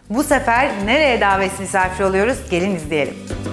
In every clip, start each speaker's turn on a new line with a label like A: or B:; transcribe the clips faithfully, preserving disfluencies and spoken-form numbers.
A: Bu sefer nereye davet misafir oluyoruz? Gelin izleyelim.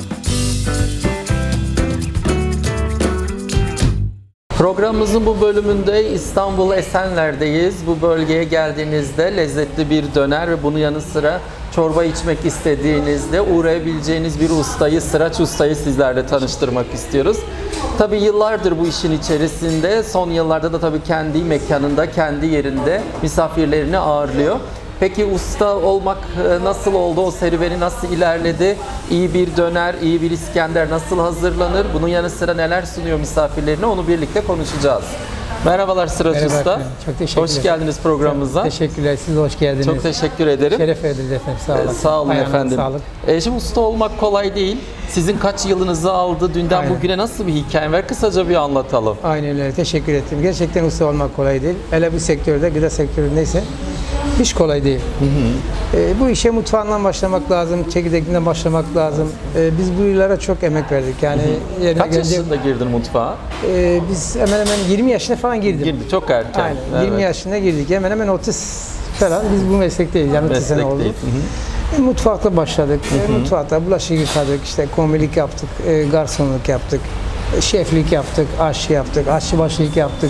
B: Programımızın bu bölümünde İstanbul Esenler'deyiz. Bu bölgeye geldiğinizde lezzetli bir döner ve bunun yanı sıra çorba içmek istediğinizde uğrayabileceğiniz bir ustayı, Sıraç Usta'yı sizlerle tanıştırmak istiyoruz. Tabii yıllardır bu işin içerisinde, son yıllarda da tabii kendi mekanında, kendi yerinde misafirlerini ağırlıyor. Peki usta olmak nasıl oldu? O serüveni nasıl ilerledi? İyi bir döner, iyi bir İskender nasıl hazırlanır? Bunun yanı sıra neler sunuyor misafirlerine? Onu birlikte konuşacağız. Merhabalar Sıraç
C: Merhaba
B: Usta.
C: efendim. Çok teşekkürler.
B: Hoş geldiniz programımıza.
C: Teşekkürler. Siz de hoş geldiniz.
B: Çok teşekkür ederim.
C: Şeref verdiniz efendim. Sağ olun.
B: Ee, Sağ olun
C: Ayağınıza
B: efendim.
C: sağlık.
B: E, şimdi usta olmak kolay değil. Sizin kaç yılınızı aldı? Dünden
C: Aynen.
B: bugüne nasıl bir hikaye var? Kısaca bir anlatalım.
C: Aynen öyle. Teşekkür ettim. Gerçekten usta olmak kolay değil. Hele bu sektörde, gıda sektöründeyse hiç kolay değil. Hı hı. E, bu işe mutfağından başlamak lazım, çekirdekinden başlamak lazım. E, biz bu yıllara çok emek verdik. Yani yerine
B: Kaç
C: gelince-
B: yaşında girdin mutfağa?
C: E, biz hemen hemen yirmi yaşına falan girdim.
B: Girdi çok erken.
C: Aynen.
B: Evet.
C: yirmi yaşında girdik. Hemen hemen otuz falan. Biz bu meslekteyiz. Yani otuz sene oldu.
B: Meslekteyiz. Hı hı.
C: E, Mutfakta başladık. E, Mutfakta bulaşık yıkadık, işte kombilik yaptık, e, garsonluk yaptık, e, şeflik yaptık, aşçı yaptık, aşçıbaşılık yaptık.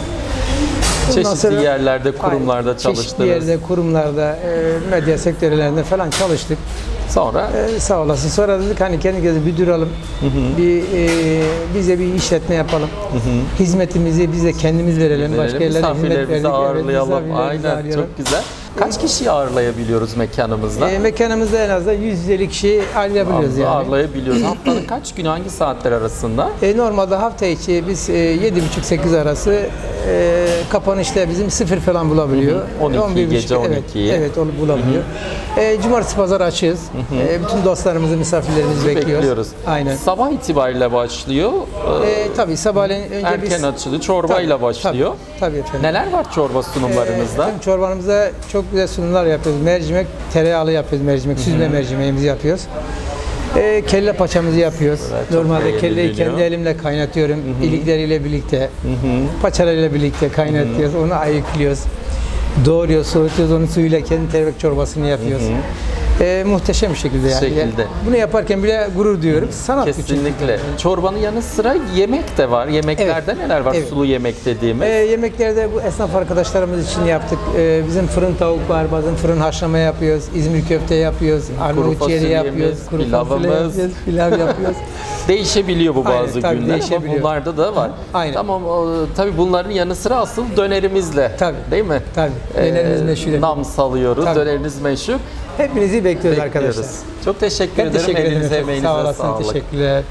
C: Ondan
B: Çeşitli
C: sonra-
B: yerlerde, kurumlarda
C: Aynen,
B: çalıştınız.
C: Çeşitli yerde, kurumlarda, e, medya sektörlerinde falan çalıştık.
B: Sonra
C: E, sağ olasın. Sonra dedik hani kendimize bir duralım, bir e, bize bir işletme yapalım. Hizmetimizi biz de kendimiz verelim. Başka yerlere hizmet verdik.
B: misafirlerimizi
C: Evet,
B: ağırlayalım.
C: misafirlerimizi
B: Aynen,
C: ağırlayalım.
B: çok güzel. Kaç kişiyi ağırlayabiliyoruz mekanımızda?
C: E, mekanımızda en azından yüz yüz elli kişi ağırlayabiliyoruz yani.
B: Ağırlayabiliyoruz. Haftanın kaç günü, hangi saatler arasında?
C: E, normalde hafta içi biz e, yedi buçuk sekiz arası e, kapanışta bizim sıfır falan bulabiliyor.
B: on iki,
C: on bir buçuk,
B: gece on
C: evet,
B: ikiyi.
C: Evet, onu bulabiliyor. E, cumartesi pazar açığız. E, bütün dostlarımızı, misafirlerimizi bekliyoruz.
B: Bekliyoruz.
C: Aynen.
B: Sabah itibariyle başlıyor. Ee,
C: E, tabii sabahleyin önce
B: Erken
C: biz...
B: açılıyor. Çorbayla
C: Tabii,
B: başlıyor.
C: Tabii, tabii efendim.
B: Neler var çorba sunumlarınızda?
C: Efendim, çorbanımızda çok güzel sunumlar yapıyoruz. Mercimek, tereyağlı yapıyoruz mercimek, süzme mercimeğimizi yapıyoruz. E, kelle paçamızı yapıyoruz.
B: Evet, çok
C: Normalde
B: beğeniliyor.
C: kelleyi kendi elimle kaynatıyorum. İlikleriyle birlikte, paçalarıyla birlikte kaynatıyoruz. Onu ayıklıyoruz. Doğruyoruz, soğutuyoruz. Onun suyuyla kendi tereyağlı çorbasını yapıyoruz. E, muhteşem bir şekilde yani.
B: Şekilde.
C: Bunu yaparken bile gurur duyuyorum. Sanat bu çünkü.
B: Kesinlikle. Çorbanın yanı sıra yemek de var. Yemeklerde
C: Evet.
B: neler var?
C: Evet.
B: Sulu yemek dediğimiz.
C: E, yemeklerde bu esnaf arkadaşlarımız için yaptık. E, bizim fırın tavuk var, bazen fırın haşlama yapıyoruz, İzmir köfte yapıyoruz, Arnavut ciğeri
B: fasulyemiz,
C: yapıyoruz, kuru
B: pilavımız.
C: fasulye yapıyoruz, pilav yapıyoruz.
B: Değişebiliyor bu
C: Aynen,
B: bazı
C: tabii
B: günler ama
C: değişebiliyor.
B: bunlarda da var.
C: Aynen.
B: Tamam, o, tabii bunların yanı sıra asıl dönerimizle.
C: Tabii.
B: Değil mi?
C: Tabii. Dönerimiz
B: Ee,
C: meşhur.
B: Nam salıyoruz.
C: Tabii.
B: Döneriniz meşhur.
C: Hepinizi bekliyoruz
B: Bekliyoruz.
C: arkadaşlar.
B: Çok teşekkür
C: Ben
B: ederim.
C: teşekkür ederim
B: Elinize
C: efendim.
B: emeğinize
C: Sağ olasın,
B: sağlık.
C: teşekkürler.